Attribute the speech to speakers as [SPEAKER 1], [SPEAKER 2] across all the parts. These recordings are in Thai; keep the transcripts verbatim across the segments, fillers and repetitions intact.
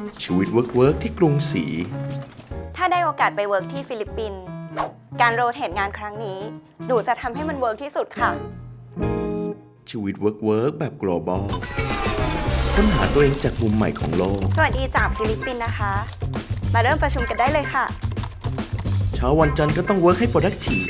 [SPEAKER 1] ชีวิตเวิร์กเวิร์กที่กรุงศรี
[SPEAKER 2] ถ้าได้โอกาสไปเวิร์กที่ฟิลิปปินส์การโรเตทงานครั้งนี้หนูจะทำให้มันเวิร์กที่สุดค่ะ
[SPEAKER 1] ชีวิตเวิร์กเวิร์กแบบ global ค้นหาตัวเองจากมุมใหม่ของโลก
[SPEAKER 2] สวัสดีจากฟิลิปปินส์นะคะมาเริ่มประชุมกันได้เลยค่ะ
[SPEAKER 1] เช้าวันจันทร์ก็ต้องเวิร์กให้ productive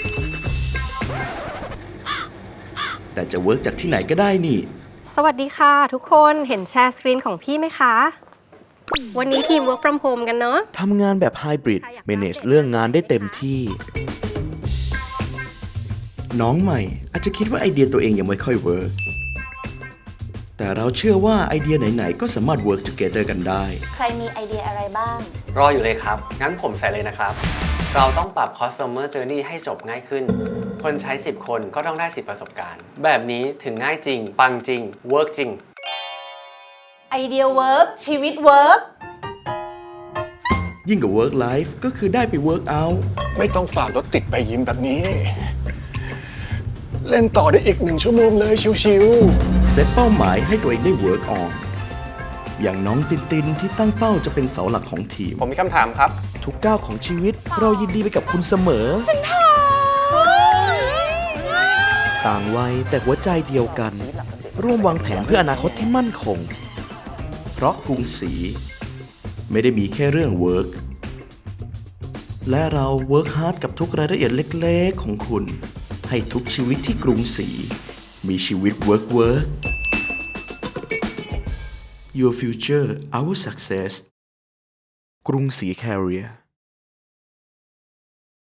[SPEAKER 1] แต่จะเวิร์กจากที่ไหนก็ได้นี่
[SPEAKER 3] สวัสดีค่ะทุกคนเห็นแชร์สกรีนของพี่ไหมคะ วันนี้ทีม work from home กันเนาะ
[SPEAKER 1] ทำงานแบบ hybrid manage เรื่องงานได้เต็มที่ น้องใหม่อาจจะคิดว่าไอเดียตัวเองยังไม่ค่อยเวิร์กแต่เราเชื่อว่าไอเดียไหนๆก็สามารถ work together กันได้
[SPEAKER 2] ใครมีไอเดียอะไรบ้าง
[SPEAKER 4] รออยู่เลยครับงั้นผมใส่เลยนะครับเราต้องปรับ customer journey ให้จบง่ายขึ้นคนใช้สิบคนก็ต้องได้สิบประสบการณ์แบบนี้ถึงง่ายจริงปังจริง work จริง
[SPEAKER 2] ไอเดียเวิร์กชีวิตเวิร์ก
[SPEAKER 1] ยิ่งกับ work life ก็คือได้ไป work out
[SPEAKER 5] ไม่ต้องฝ่ารถติดไปยิมแบบนี้เล่นต่อได้อีกหนึ่งชั่วโมงเลยชิว
[SPEAKER 1] ๆเซตเป้าหมายให้ตัวเองได้ work on อย่างน้องตินตินที่ตั้งเป้าจะเป็นเสาหลักของทีม
[SPEAKER 5] ผมมีคำถามครับ
[SPEAKER 1] ทุกก้าวของชีวิตเรายินดีไปกับคุณเสมอต่างวัยแต่หัวใจเดียวกันร่วมวางแผนเพื่ออนาคตที่มั่นคงเพราะกรุงศรีไม่ได้มีแค่เรื่อง work และเรา work hard กับทุกรายละเอียดเล็กๆของคุณให้ทุกชีวิตที่กรุงศรีมีชีวิต work work Your future our success กรุงศรี Carrier